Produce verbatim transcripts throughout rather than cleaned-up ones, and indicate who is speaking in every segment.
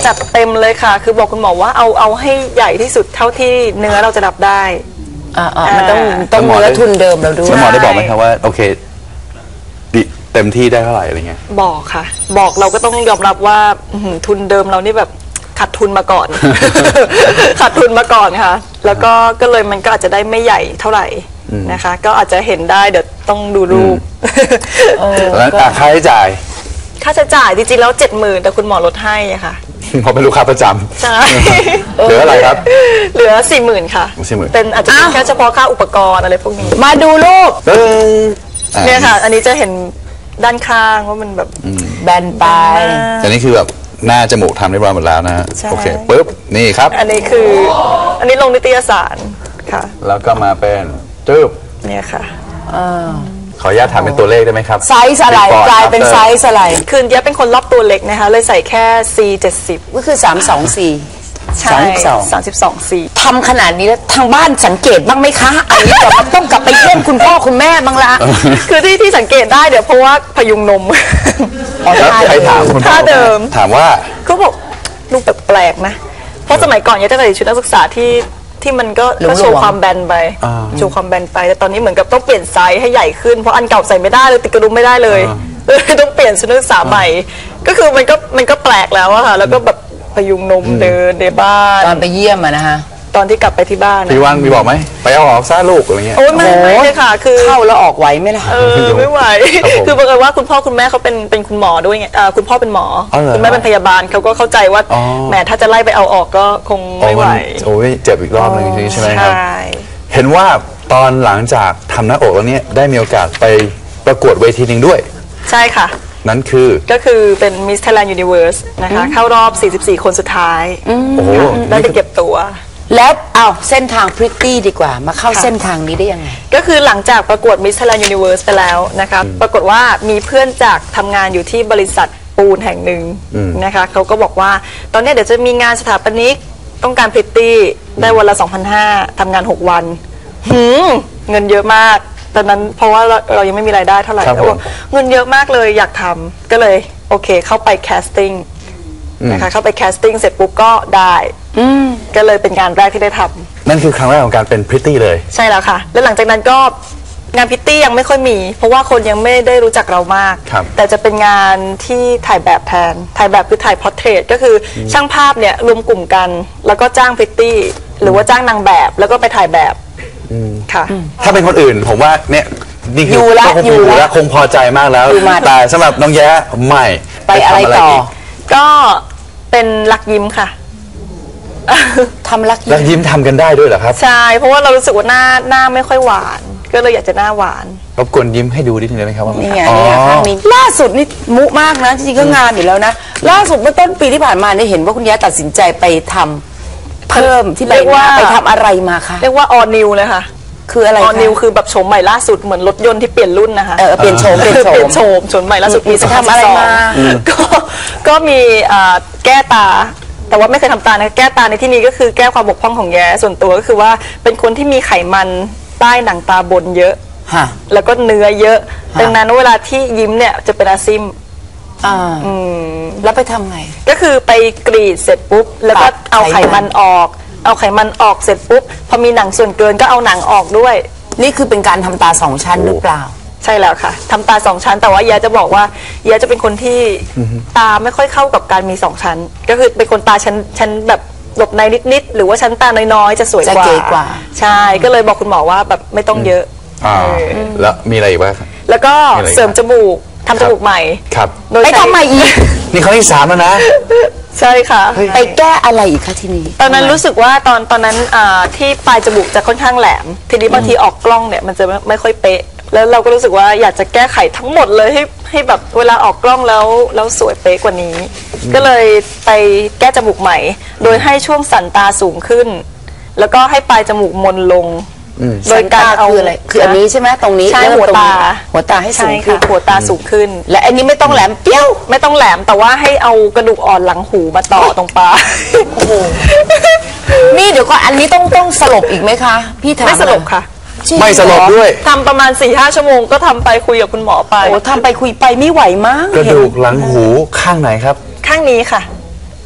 Speaker 1: จัดเต็มเลยค่ะคือบอกคุณหมอว่าเอาเอาให้ใหญ่ที่สุดเท่าที่เนื้อเราจะรับได้
Speaker 2: อ่ามันต้องต้องเนื้อทุนเดิมเราด้วย
Speaker 3: หมอได้บอกไหมครับว่าโอเคเต็มที่ได้เท่าไหร่อะไรเงี้ย
Speaker 1: บอกค่ะบอกเราก็ต้องยอมรับว่าทุนเดิมเรานี่แบบขาดทุนมาก่อน ขาดทุนมาก่อนค่ะแล้วก็ก็เลยมันก็อาจจะได้ไม่ใหญ่เท่าไหร่นะคะก็อาจจะเห็นได้เดี๋ยวต้องดูรูป
Speaker 3: แล้วค่าใช้จ่าย
Speaker 1: ค่าใช้จ่ายจริงๆแล้วเจ็ดหมื่นแต่คุณหมอลดให้ค่ะ
Speaker 3: เพราะเป็นลูกค้าประจำ
Speaker 1: ใช่
Speaker 3: เหลืออะไรครับ
Speaker 1: เหลือสี่หมื่นค่ะ
Speaker 3: สี่หมื่น
Speaker 1: เป็นอาจจะเป็นแค่เฉพาะค่าอุปกรณ์อะไรพวกนี้
Speaker 2: มาดูรูป
Speaker 1: เนี่ยค่ะอันนี้จะเห็นด้านข้างว่ามันแบบ
Speaker 2: แบนไป
Speaker 3: แต่นี่คือแบบหน้าจมูกทำเรียบร้อยหมดแล้วนะฮะโอเคปุ๊บนี่ครับ
Speaker 1: อันนี้คืออันนี้ลงนิตยสารค่ะ
Speaker 3: แล้วก็มาเป็นจืบ
Speaker 1: เนี่ยค่ะ
Speaker 3: ขออนุญาตถามเป็นตัวเลขได้ไหมครับ
Speaker 2: ไซส์อะไรกลายเป็นไซส์อะไร
Speaker 1: คือเยอะเป็นคนรอบตัวเล็กนะคะเลยใส่แค่ ซี เจ็ดสิบ
Speaker 2: ก็คือสามสองสี่
Speaker 1: ใช่สามสิบสองสี่
Speaker 2: ทำขนาดนี้แล้วทางบ้านสังเกตบ้างไหมคะอันนี้เดี๋ยวมันต้องกลับไปเยี่ยมคุณพ่อคุณแม่บ้างละ
Speaker 1: คือที่ที่สังเกตได้เดี๋ยวเพราะว่าพยุงนม
Speaker 3: แล้วใครถามคุณพ่อ
Speaker 1: เดิม
Speaker 3: ถามว่า
Speaker 1: เขาบอกลูกแปลกๆนะเพราะสมัยก่อนเยอะจะใส่ชุดนักศึกษาที่ที่มันก็โชว์ความแบนไปโชว์ความแบนไปแต่ตอนนี้เหมือนกับต้องเปลี่ยนไซส์ให้ใหญ่ขึ้นเพราะอันเก่าใส่ไม่ได้เลยติดกระดุมไม่ได้เลยต้องเปลี่ยนชุดนักศึกษาใหม่ก็คือมันก็มันก็แปลกแล้วอะค่ะแล้วก็แบบพยุงนมเดินในบ้าน
Speaker 2: ตอนไปเยี่ยมอะนะคะ
Speaker 1: ตอนที่กลับไปที่บ้าน
Speaker 3: พี่ว่างมีบอกไหมไปเอาออกซะลูกอะไรเงี้ย
Speaker 1: โอ้ยไม่เลยค่ะคือ
Speaker 2: เข้าแล้วออกไหวไหมล่ะ
Speaker 1: เออไม่ไหวคือบังเอิญว่าคุณพ่อคุณแม่เขาเป็นเป็นคุณหมอด้วยไงคุณพ่อเป็นหมอคุณแม่เป็นพยาบาลเขาก็เข้าใจว่าแหมถ้าจะไล่ไปเอาออกก็คงไม่ไหว
Speaker 3: โอ้ยเจ็บอีกรอบนึงใช่ไหมครับเห็นว่าตอนหลังจากทำหน้าอกแล้วเนี่ยได้มีโอกาสไปประกวดเวทีหนึ่งด้วย
Speaker 1: ใช่ค่ะ
Speaker 3: นั่นคือ
Speaker 1: ก็คือเป็น Miss Thailand Universe นะคะเข้ารอบสี่สิบสี่คนสุดท้ายได้ไปเก็บตัว
Speaker 2: แล้วเอาเส้นทางพริตตี้ดีกว่ามาเข้าเส้นทางนี้ได้ยังไง
Speaker 1: ก็คือหลังจากประกวด Miss Thailand Universe ไปแล้วนะคะปรากฏว่ามีเพื่อนจากทำงานอยู่ที่บริษัทปูนแห่งหนึ่งนะคะเขาก็บอกว่าตอนนี้เดี๋ยวจะมีงานสถาปนิกต้องการพริตตี้ได้วันละ สองพันห้าร้อย ทำงานหกวันหืมเงินเยอะมากตอนนั้นเพราะว่าเรายังไม่มีรายได้เท่าไหร่แล้วเงินเยอะมากเลยอยากทำก็เลยโอเคเข้าไปแคสติ้งนะคะเข้าไปแคสติ้งเสร็จปุ๊บก็ได้ก็เลยเป็นงานแรกที่ได้ทำ
Speaker 3: นั่นคือครั้งแรกของการเป็นพริตตี้เลย
Speaker 1: ใช่แล้วค่ะแล้วหลังจากนั้นก็งานพริตตี้ยังไม่ค่อยมีเพราะว่าคนยังไม่ได้รู้จักเรามากแต่จะเป็นงานที่ถ่ายแบบแทนถ่ายแบบคือถ่ายพอร์เทรตก็คือช่างภาพเนี่ยรวมกลุ่มกันแล้วก็จ้างพริตตี้หรือว่าจ้างนางแบบแล้วก็ไปถ่ายแบบค่ะ
Speaker 3: ถ้าเป็นคนอื่นผมว่าเนี่ยนี่คือคงอยู่แล้วคงพอใจมากแล้วแต่สำหรับน้องแย้ไม่
Speaker 2: ไปอะไรต่อ
Speaker 1: ก็เป็นลักยิ้มค่ะ
Speaker 2: ทำลักยิ้ม
Speaker 3: ลักยิ้มทำกันได้ด้วยเหรอครับ
Speaker 1: ใช่เพราะว่าเรารู้สึกว่าหน้าหน้าไม่ค่อยหวานก็เลยอยากจะหน้าหวาน
Speaker 3: รบกวนยิ้มให้ดูนิดนึงได้ไหมครับว่า
Speaker 2: นี่ไงนี่ข้างนี้ล่าสุดนี่มุมากนะจริงๆก็งานอยู่แล้วนะล่าสุดเมื่อต้นปีที่ผ่านมาได้เห็นว่าคุณแย้ตัดสินใจไปทำเพิ่มที่ใบหน้าไปทำอะไรมาคะ
Speaker 1: เรียกว่าออนิวเลยค่ะ
Speaker 2: คืออะไร
Speaker 1: ออนิวคือแบบโฉมใหม่ล่าสุดเหมือนรถยนต์ที่เปลี่ยนรุ่นนะคะ
Speaker 2: เออเปลี่ยนโฉมเปลี่ยนโฉม
Speaker 1: เปลี่ยนโฉมโฉมใหม่ล่าสุดมีทำอะไรมาก็ก็มีแก้ตาแต่ว่าไม่เคยทำตานะแก้ตาในที่นี้ก็คือแก้ความบกพร่องของแย้ส่วนตัวก็คือว่าเป็นคนที่มีไขมันใต้หนังตาบนเยอะแล้วก็เนื้อเยอะดังนั้นเวลาที่ยิ้มเนี่ยจะเป็นอาซิม
Speaker 2: อ่าแล้วไปทำไง
Speaker 1: ก็คือไปกรีดเสร็จปุ๊บแล้วก็เอาไขมันออกเอาไขมันออกเสร็จปุ๊บพอมีหนังส่วนเกินก็เอาหนังออกด้วย
Speaker 2: นี่คือเป็นการทำตาสองชั้นหรือเปล่า
Speaker 1: ใช่แล้วค่ะทำตาสองชั้นแต่ว่าแย้จะบอกว่าแย้จะเป็นคนที่ตาไม่ค่อยเข้ากับการมีสองชั้นก็คือเป็นคนตาชั้นชั้นแบบหลบในนิดๆหรือว่าชั้นตาน้อยๆจะสวยกว่าใช่ก็เลยบอกคุณหมอว่าแบบไม่ต้องเยอะ
Speaker 3: อ่าแล้วมีอะไรอีกบ้าง
Speaker 1: แล้วก็เสริมจมูกทำจมูกใหม่
Speaker 3: ครับ
Speaker 2: ไปทำใหม่อีก
Speaker 3: นี่ครั้งที่สามแล้วนะ
Speaker 1: ใช่ค่ะ
Speaker 2: ไปแก้อะไรอีกคะทีนี้
Speaker 1: ตอนนั้นรู้สึกว่าตอนตอนนั้นที่ปลายจมูกจะค่อนข้างแหลมทีนี้บางทีออกกล้องเนี่ยมันจะไม่ค่อยเป๊ะแล้วเราก็รู้สึกว่าอยากจะแก้ไขทั้งหมดเลยให้ให้แบบเวลาออกกล้องแล้วแล้วสวยเป๊ะกว่านี้ก็เลยไปแก้จมูกใหม่โดยให้ช่วงสันตาสูงขึ้นแล้วก็ให้ปลายจมูกมนลง
Speaker 2: โดยการเอาอะไรคืออันนี้ใช่ไหมตรงนี้
Speaker 1: ใช่หัวตา
Speaker 2: หัวตาให้สูงขึ้น
Speaker 1: หัวตาสูงขึ้น
Speaker 2: และอันนี้ไม่ต้องแหลมเปี้ยว
Speaker 1: ไม่ต้องแหลมแต่ว่าให้เอากระดูกอ่อนหลังหูมาต่อตรงปลาย
Speaker 2: โอ้โหนี่เดี๋ยวก่อนอันนี้ต้องต้องสลบอีกไหมคะพี่ถาม
Speaker 1: ไม่สลบค่ะ
Speaker 3: ไม่สลบด้วย
Speaker 1: ทำประมาณ สี่ห้า ชั่วโมงก็ทำไปคุยกับคุณหมอไป
Speaker 2: โอ้ทำไปคุยไปไม่ไหวมาก
Speaker 3: กระดูกหลังหูข้างไหนครับ
Speaker 1: ข้างนี้ค่ะ
Speaker 3: อ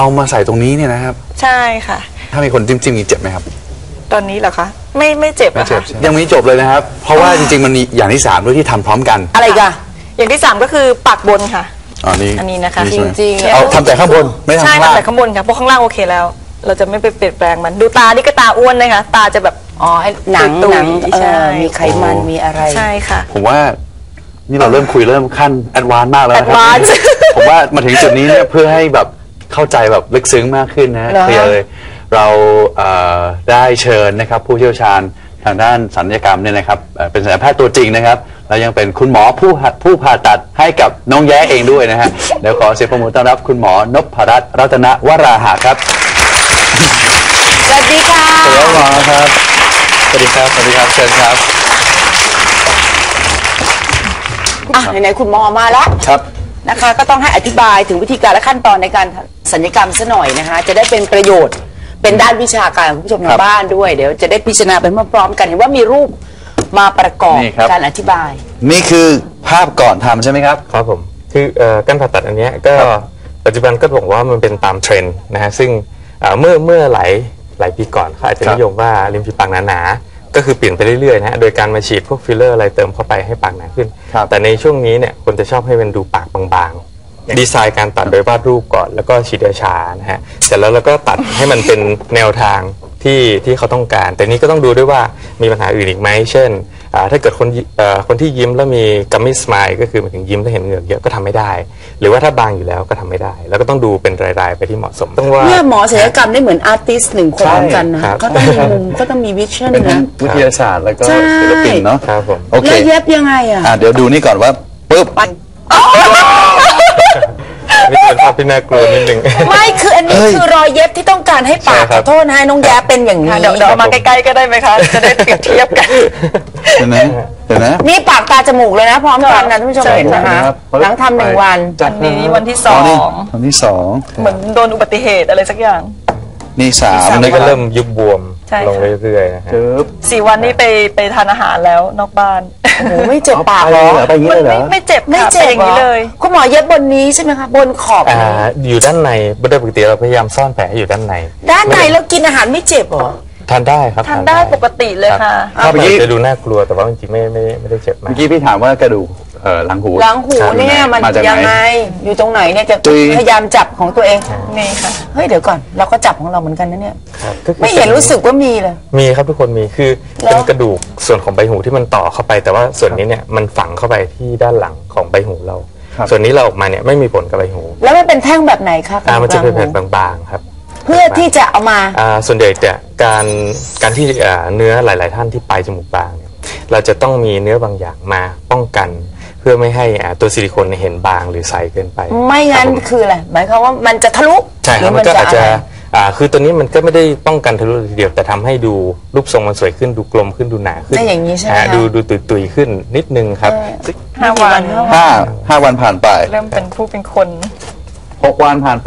Speaker 3: เอามาใส่ตรงนี้เนี่ยนะครับ
Speaker 1: ใช่ค่ะ
Speaker 3: ถ้ามีคนจิ้มจิ้มนี่เจ็บไหมครับ
Speaker 1: ตอนนี้เหรอคะไม่ไม่เจ็บนะคะ
Speaker 3: ยังไม่จบเลยนะครับ เพราะว่าจริงๆมันมีอย่างที่สามด้วยที่ทำพร้อมกัน
Speaker 2: อะไรกัน
Speaker 1: อย่างที่สามก็คือปากบนค่ะ
Speaker 3: อ๋อนี่
Speaker 1: อันนี้นะคะ
Speaker 3: ใช่ไหม
Speaker 2: จริงๆ
Speaker 3: เอาทำแต่ข้างบนไม่ทำ
Speaker 1: ใช่
Speaker 3: ข้างล่าง
Speaker 1: ทำแต่ข้างบนค่ะเพราะข้างล่างโอเคแล้ว เราจะไม่ไปเปลี่ยนแปลงมันดูตานี่ก็ตาอ้วนนะคะตาจะแบบ
Speaker 2: อ๋อไอ้หนัง
Speaker 1: ตุยๆ
Speaker 2: หนังเอ
Speaker 1: ใช่
Speaker 2: อมีไขมันมีอะไร
Speaker 1: ใช่ค่ะ
Speaker 3: ผมว่านี่เราเริ่มคุยเริ่มขั้นแอดวานซ์มากแล้วนะครั
Speaker 1: advance
Speaker 3: ผมว่ามาถึงจุดนี้เนี่ยเพื่อให้แบบเข้าใจแบบลึกซึ้งมากขึ้นนะ
Speaker 2: เหรอ
Speaker 3: เคลียร์เลยเราเอ่อได้เชิญนะครับผู้เชี่ยวชาญทางด้านศัลยกรรมเนี่ยนะครับเอ่อเป็นศัลยแพทย์ตัวจริงนะครับแล้วยังเป็นคุณหมอผู้หัดผู้ผ่าตัดให้กับน้องแย้เองด้วยนะฮะเดี๋ยวขอเสียงปรบมือต้อนรับคุณหมอนพรัตน์รัตนวราหะครับ
Speaker 2: สวัสดีค่ะ
Speaker 3: สวัสดีครับหมอครับสวัสดีครับสวัสดีครับเชิญครับ
Speaker 2: อ่ะไหนๆคุณหมอมาแล้ว
Speaker 3: ครับ
Speaker 2: นะคะ ก็ต้องให้อธิบายถึงวิธีการและขั้นตอนในการศัลยกรรมซะหน่อยนะคะ จะได้เป็นประโยชน์เป็นด้านวิชาการของคุณผู้ชมทางบ้านด้วยเดี๋ยวจะได้พิจารณาไปพร้อมๆกันเห็นว่ามีรูปมาประกอบ
Speaker 3: นี่ครับ
Speaker 2: การอธิบาย
Speaker 3: นี่คือภาพก่อนทำใช่ไหมครับ
Speaker 4: ครับผมคือเอ่อการผ่าตัดอันเนี้ยก็ปัจจุบันก็บอกว่ามันเป็นตามเทรนด์นะฮะซึ่งเอ่อเมื่อเมื่อหลายหลายปีก่อนเขาอาจจะ
Speaker 3: ครับ
Speaker 4: นิยมว่าริมฝีปากหนาๆก็คือเปลี่ยนไปเรื่อยๆนะฮะโดยการมาฉีดพวกฟิลเลอร์อะไรเติมเข้าไปให้ปากหนาขึ้น
Speaker 3: ครับ
Speaker 4: แต่ในช่วงนี้เนี่ยคนจะชอบให้มันดูปากบางๆดีไซน์การตัดโดยวาดรูปก่อนแล้วก็ฉีดยาชานะฮะเสร็จแล้วเราก็ตัดให้มันเป็นแนวทางที่ที่เขาต้องการ แต่นี้ก็ต้องดูด้วยว่ามีปัญหาอื่นอีกไหมเช่นอ่าถ้าเกิดคนยิเอ่อคนที่ยิ้มแล้วมีกัมมี่สไมล์ก็คือหมายถึงยิ้มแล้วเห็นเหงือกเยอะก็ทำไม่ได้ หรือว่าถ้าบางอยู่แล้วก็ทำไม่ได้ แล้วก็ต้องดูเป็นรายๆไปที่เหมาะสมต้องว่า
Speaker 2: เนี่ยหมอศัลยกรรมได้เหมือนอาร์ติสต์หนึ่งคนเหมือนกันนะครับ เขาต้องมีมุมเขาต้องมีวิชั่น
Speaker 3: เป็นทั้
Speaker 2: นะ
Speaker 3: งวิทยาศาสตร์แล้วก็
Speaker 2: ใช่
Speaker 3: ศิลปินเนาะ
Speaker 4: ครับผม
Speaker 3: โอเค
Speaker 2: แล้วเย็บยังไงอ่ะ
Speaker 3: อ่ะเดี๋ยวดูนี่ก่อนว่าปุ๊บ
Speaker 4: นี่เป็นภาพที่น่ากลัวนิดนึง
Speaker 2: ไม่คืออันนี้
Speaker 3: เอ้ย
Speaker 2: คือรอยเย็บที่ต้องการให้ปาก
Speaker 4: ใช่ค
Speaker 2: ข
Speaker 4: รั
Speaker 2: อบ โทษนะให้น้องแย้เป็นอย่างนี้
Speaker 1: เดี๋ยวเดี๋ยวเอามาใกล้ๆก็ได้ไหมคะ จะได้เปรียบเทียบกัน
Speaker 3: เห็นไหมเห็นไหม
Speaker 2: นี่ปากตาจมูกเลยนะพร้อมกันนะท่านผู้ชม
Speaker 1: ใช่
Speaker 2: เห็นนะคะ
Speaker 3: ครับ
Speaker 2: หลังทำหนึ่งวัน
Speaker 3: จัด
Speaker 1: อันนี้วันที่ส
Speaker 3: อ๋
Speaker 1: อ
Speaker 3: อนี่
Speaker 1: ง
Speaker 3: วันที่สอง
Speaker 1: เหมือนโดนอุบัติเหตุอะไรสักอย่าง
Speaker 3: นี่สาม
Speaker 4: อัน
Speaker 3: นะ
Speaker 4: นี้
Speaker 3: ค
Speaker 4: ก็
Speaker 3: รับ
Speaker 4: เริ่มยุบบวม
Speaker 1: ใช่ค่ะ
Speaker 4: ลงเรื่อยๆนะฮะ
Speaker 3: ปึ๊บ
Speaker 1: สี่วันนี้ไปไปทานอาหารแล้วนอกบ้าน
Speaker 2: โอ้โหไม่เจ็บปาก
Speaker 3: ไป
Speaker 2: เหร
Speaker 3: เลย
Speaker 2: อ
Speaker 3: เหรอไปอย่างนี้เลยเหรอ
Speaker 1: ไม่เจ็บ
Speaker 2: ไม่
Speaker 1: ค่ะ
Speaker 2: เจ็บ
Speaker 1: เป็นอย่างนี้เลย
Speaker 2: คุณหมอเย็บบนนี้ใช่ไหมคะบนขอบ
Speaker 4: อ่าอยู่ด้านในโดยปกติเราพยายามซ่อนแผลให้อยู่ด้านใน
Speaker 2: ด้านในแล้วกินอาหารไม่เจ็บเหรอ
Speaker 4: ทานได้ครับ
Speaker 1: ทานได้ปกติเลยค่ะ
Speaker 4: รับ
Speaker 3: เมื่อกี้
Speaker 4: จะดูน่ากลัวแต่ว่าจริงๆไม่ไม่ไม่ได้เจ็บมา
Speaker 3: เมื่
Speaker 4: ก
Speaker 3: อกี้พี่ถามว่ากระดูกเอ่อหลังหู
Speaker 2: หลังหู
Speaker 3: ครับ
Speaker 2: เนี่ยมัน
Speaker 3: มาจากไหน
Speaker 2: ยังไงอยู่ตรงไหนเนี่ยจะ
Speaker 3: ตุย
Speaker 2: พยายามจับของตัวเอง
Speaker 1: นี่ค่ะ
Speaker 2: เฮ้ยเดี๋ยวก่อนเราก็จับของเราเหมือนกันนะเนี่ย
Speaker 4: ครับก็คือ
Speaker 2: ไม่เห็นรู้สึกว่ามีเลย
Speaker 4: มีครับทุกคนมีคือ
Speaker 2: แล้ว
Speaker 4: เป็นกระดูกส่วนของใบหูที่มันต่อเข้าไป แต่ว่าส่วนนี้เนี่ยมันฝังเข้าไปที่ด้านหลังของใบหูเรา
Speaker 3: ครับ
Speaker 4: ส่วนนี้เราออกมาเนี่ยไม่มีผลกับใบหู
Speaker 2: แล้วมันเป็นแท่งแบบไหนคะ
Speaker 4: อ่ามันจะเป็นแผ่น
Speaker 2: กลางหู
Speaker 4: บางๆครับ
Speaker 2: เพื่อที่จะเอามา
Speaker 4: อ่าส่วนใหญ่เนี่ยการการที่อ่าเนื้อหลาย ๆ ท่านที่ปลายจมูกบางเนี่ยเราจะต้องมีเนื้อบางอย่างมาป้องกัน เพื่อไม่ให้อ่าตัวซิลิโคนเนี่ยเห็นบางหรือใสเกินไป
Speaker 2: ไม่งั้น
Speaker 4: ครับผม
Speaker 2: คืออะไรหมายความว่ามันจะทะลุ
Speaker 4: ใช่ค
Speaker 2: ห
Speaker 4: รับ
Speaker 2: รื
Speaker 4: มันก็อาจจะ
Speaker 2: ไร
Speaker 4: อ่าคือตัวนี้มันก็ไม่ได้ป้องกันทะลุทีเดียวแต่ทำให้ดูรูปทรงมันสวยขึ้นดูกลมขึ้นดูหนาขึ้น
Speaker 2: ได้อย่างนี้ใช่ไหม
Speaker 4: อ่า
Speaker 2: คะ
Speaker 4: ดูดูตุยตุยๆขึ้นนิดนึงครับ
Speaker 1: ห้าวัน
Speaker 3: ห้าห้าวันผ่านไป
Speaker 1: เริ่มเป็นผู้เป็นคน
Speaker 3: หกวันผ่านไป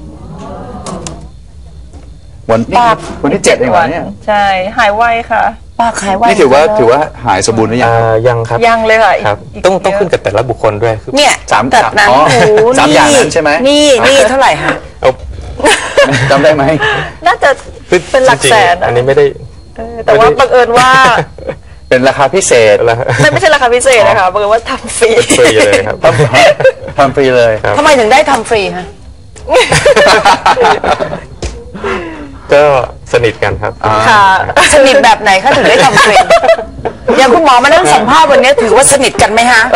Speaker 3: วันนี้
Speaker 2: ปาก
Speaker 3: วันที่เจ็ดเองวันเนี่ย
Speaker 1: ใช่ หายไวค่ะ
Speaker 2: ปากหายไว
Speaker 3: นี่ถือว่าถือว่าหายสมบูรณ์หรือยัง
Speaker 4: อ่ายังครับ
Speaker 1: ยังเลยค่ะอีก
Speaker 4: ครับ
Speaker 1: อีก
Speaker 4: ต้อง
Speaker 1: เยอะ
Speaker 4: ต้องขึ้นกับแต่ละบุคคลด้วยคือ
Speaker 2: เนี่ย
Speaker 3: สาม
Speaker 2: ตัดหนัง
Speaker 3: อ๋อ
Speaker 2: หู
Speaker 3: สามอย่างนั้นใช่ไหม
Speaker 2: นี่นี่เท่าไหร่คะ
Speaker 4: เอา
Speaker 3: จำได้ไหม
Speaker 1: น่าจะ
Speaker 4: คือ
Speaker 1: เป็นหลัก
Speaker 4: จริงๆ
Speaker 1: แสน
Speaker 4: อันนี้ไม่ได้
Speaker 1: เออแต่ว่าบังเอิญว่า
Speaker 3: เป็นราคาพิเศษ
Speaker 4: แล้ว
Speaker 1: ไม่ไม่ใช่ราคาพิเศษนะคะบังเอิญว่าทำฟรี
Speaker 4: ฟรีเลยครับ
Speaker 3: ทำฟรีเลย
Speaker 4: ครับ
Speaker 2: ทำไมถึงได้ทำฟรีฮะ
Speaker 4: ก็สนิทกันครับ
Speaker 1: ค่ะ
Speaker 2: สนิทแบบไหนคะถึงได้ทำฟรีอย่างคุณหมอมานั่งสัมภาษณ์วันนี้ถือว่าสนิทกันไหมฮะ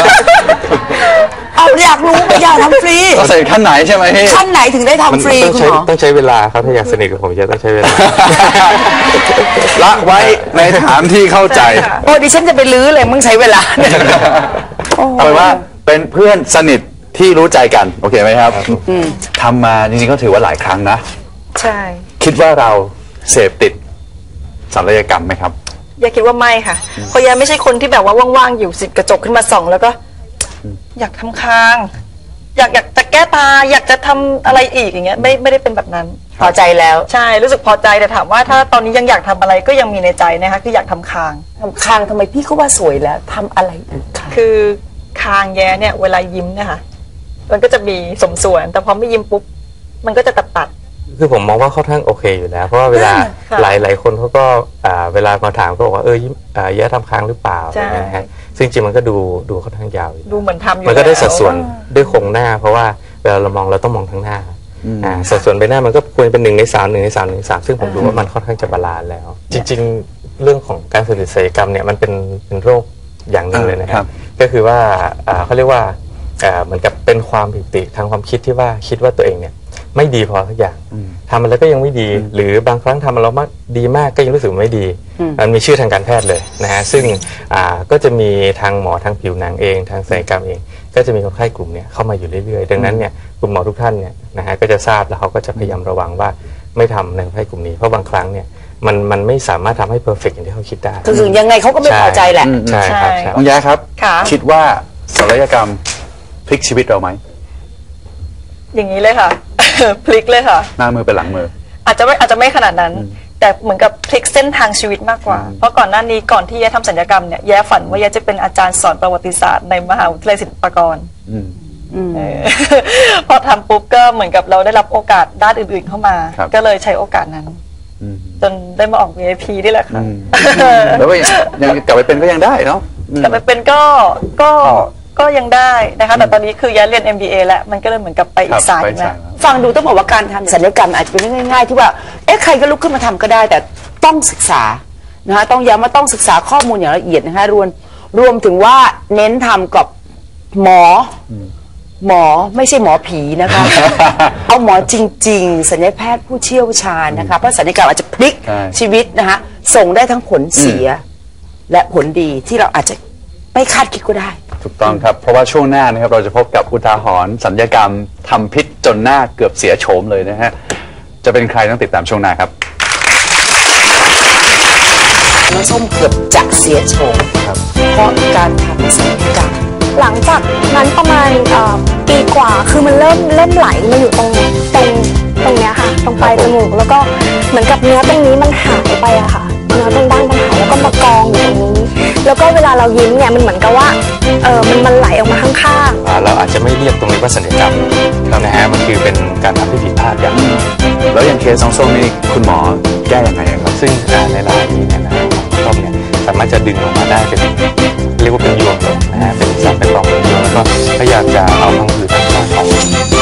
Speaker 2: เอาอยากรู้อยากทำฟรี
Speaker 3: ก็ใส่ขั้นไหนใช่ไหมพี่
Speaker 2: ขั้นไหนถึงได้
Speaker 4: มัน
Speaker 2: ทำฟรี
Speaker 4: ต้อง
Speaker 2: คุณ
Speaker 4: ใช้
Speaker 2: หมอ
Speaker 4: ต้องใช้เวลาครับถ้าอยากสนิทกับผมจะต้องใช้เวลา
Speaker 3: ละไว้ในฐานที่เข้าใจ
Speaker 1: ใช่ค่ะ
Speaker 2: โอ้ดิฉันจะไปลื้อเลยมึงใช้เวลาเนี่ย
Speaker 3: เอาเป็นว่าเป็นเพื่อนสนิทที่รู้ใจกัน โอเคไหมครับทำมาจริงๆก็ถือว่าหลายครั้งนะ
Speaker 1: ใช่
Speaker 3: คิดว่าเราเสพติดศัลยกรรมไหมครับ
Speaker 1: อย่าคิดว่าไม่ค่ะเพราะยาไม่ใช่คนที่แบบว่าว่างๆอยู่สิบกระจกขึ้นมาส่องแล้วก็ อยากทำคาง อยากอยากจะแก้ตา อยากจะทำอะไรอีกอย่างเงี้ยไม่ไม่ได้เป็นแบบนั้น
Speaker 2: พอใจแล้ว
Speaker 1: ใช่รู้สึกพอใจแต่ถามว่าถ้าตอนนี้ยังอยากทำอะไรก็ยังมีในใจนะคะคืออยากทำคาง
Speaker 2: ทำคางทำไมพี่ก็ว่าสวยแล้วทำอะไรอีกคะ
Speaker 1: คือคางแย้เนี่ยเวลายิ้มเนี่ยค่ะมันก็จะมีสมส่วน แต่พอไม่ยิ้มปุ๊บมันก็จะตัดตัด
Speaker 4: คือผมมองว่าค่อนข้างโอเคอยู่แล้ว เพราะว่าเวลา
Speaker 1: ค่ะ
Speaker 4: หลายหลายคนเขาก็อ่าเวลามาถามก็บอกว่าเออยิ้มอ่าแย่ทำค้างหรือเปล่า
Speaker 1: ใช่
Speaker 4: อะไรเงี้ยนะฮะซึ่งจริงมันก็ดูดูค่อนข้างยาวอยู่
Speaker 1: ดูเหมือนทำอยู่
Speaker 4: มันก็ได้
Speaker 1: แล้ว
Speaker 4: สัดส่วนด้วยโครงหน้า เพราะว่าเวลาเรามองเราต้องมองทั้งหน้าอ่าสัดส่วนใบหน้ามันก็ควรเป็นหนึ่งในสามหนึ่งในสามหนึ่งในสามซึ่งผมดูว่ามันค่อนข้างจะบาลานซ์แล้ว จริง ๆ เรื่องของการสูญเสียศัลยกรรมเนี่ยมันเป็นเป็นโรคอย่างหนึ่งเลยนะค
Speaker 3: ครั
Speaker 4: รับบ ก็คือว่าอ่าเขาเรียกว่าอ่าเหมือนกับเป็นความผิดปกติทางความคิดที่ว่าคิดว่าตัวเองเนี่ยไม่ดีพอสักอย่างทำมันแล้วก็ยังไม่ดี หรือบางครั้งทำมันแล้วมากดีมากก็ยังรู้สึกไม่ดีมันมีชื่อทางการแพทย์เลยนะฮะซึ่งอ่าก็จะมีทางหมอทางผิวหนังเองทางศัลยกรรมเอง ก็จะมีคนไข้กลุ่มเนี้ยเข้ามาอยู่เรื่อยๆดังนั้นเนี่ยคุณหมอทุกท่านเนี่ยนะฮะก็จะทราบแล้วเขาก็จะพยายามระวังว่าไม่ทำในคนไข้กลุ่มนี้เพราะบางครั้งเนี่ยมันมันไม่สามารถทำให้เพอร์เฟกต์อย่างที่เขาคิดได้
Speaker 2: ถึงยังไงเขาก็ไม่พอใจแหละ
Speaker 4: ใช่ครับใช่
Speaker 3: น้องแย้ครับ
Speaker 1: ค่ะ
Speaker 3: คิดว่าศัลยกรรมพลิกชีวิตเราไหม
Speaker 1: อย่างนี้เลยค่ะ พลิกเลยค่ะ
Speaker 3: หน้ามือเป็นหลังมือ
Speaker 1: อาจจะไม่อาจจะไม่ขนาดนั้น แต่เหมือนกับพลิกเส้นทางชีวิตมากกว่า เพราะก่อนหน้านี้ก่อนที่แย้ทำศัลยกรรมเนี่ยแย้ฝันว่าแย้จะเป็นอาจารย์สอนประวัติศาสตร์ในมหาวิทยาลัยศิลปากร
Speaker 3: อืม
Speaker 1: เออ พอทำปุ๊บก็เหมือนกับเราได้รับโอกาสด้านอื่นๆเข้ามา
Speaker 3: ครับ
Speaker 1: ก็เลยใช้โอกาสนั้น
Speaker 3: อืม
Speaker 1: จนได้มาออก วี ไอ พี นี่แหละค่ะ
Speaker 3: แล้วก็ยังยังกลับไปเป็นก็ยังได้เนาะอืม
Speaker 1: แต่ไปเป็นก็ก็ก็ยังได้นะคะ แต่ตอนนี้คือแย้เรียน เอ็ม บี เอ แล้วมันก็เลยเหมือนกับไปอี
Speaker 3: ครั
Speaker 1: ก
Speaker 3: บ
Speaker 1: สายห
Speaker 3: ไป
Speaker 1: นึง
Speaker 3: สา
Speaker 1: นะ
Speaker 3: ยแล้ว
Speaker 2: ฟังดูต้องบอกว่าการทำศัลยกรรมอาจจะเป็นเรื่องง่ายๆที่ว่าเอ๊ะใครก็ลุกขึ้นมาทำก็ได้ แต่ต้องศึกษานะคะต้องย้ำว่าต้องศึกษาข้อมูลอย่างละเอียดนะคะรวมรวมถึงว่าเน้นทำกับหมออหมอไม่ใช่หมอผีนะคะ เอาหมอจริง ๆศัลยแพทย์ผู้เชี่ยวชาญนะคะเพราะศัลยกรรมอาจจะพลิก
Speaker 3: ใช่
Speaker 2: ชีวิตนะคะส่งได้ทั้งผลเสียและผลดีที่เราอาจจะไม่คาดคิดก็ได้
Speaker 3: ถูกต้องครับ เพราะว่าช่วงหน้านะครับเราจะพบกับอุทาหรณ์สัญญกรรมทำพิษจนหน้าเกือบเสียโฉมเลยนะฮะ จะเป็นใครต้องติดตามช่วงหน้าครับ
Speaker 2: น้องส้มเกือบจะเสียโฉมเพราะการทำศัลยกรรม
Speaker 5: หลังจากนั้นประมาณเอ่อปีกว่าคือมันเริ่มเริ่มไหลมาอยู่ตรงตรงตรงเนี้ยค่ะ ตรงปลายจมูกแล้วก็เหมือนกับเนื้อตรงนี้มันหายไปอะค่ะเนื้อตรงด้านมันหายแล้วก็มากองอยู่ตรงนี้ แล้วก็เวลาเรายิ้มเนี่ยมันเหมือนกับว่าเออมันมันไหลออกมาข้างๆ
Speaker 4: อ่าเราอาจจะไม่เรียกตรงนี้ว่าศัลยกรรมนะฮะมันคือเป็นการทำที่ผิดพลาดอย่างหนึ่ง
Speaker 3: แล้วอย่างเคสน้องส้มนี่คุณหมอแก้ยังไงครับ
Speaker 4: ซึ่งอ่าในรายนี้เนี่ยนะฮะของต้มเนี่ยสามารถจะดึงออกมาได้เป็นเรียกว่าเป็นยวงเลยนะฮะเป็นสับเป็นกล่องเป็นยวงแล้วก็พยายามจะเอาพังผืดทางด้านของ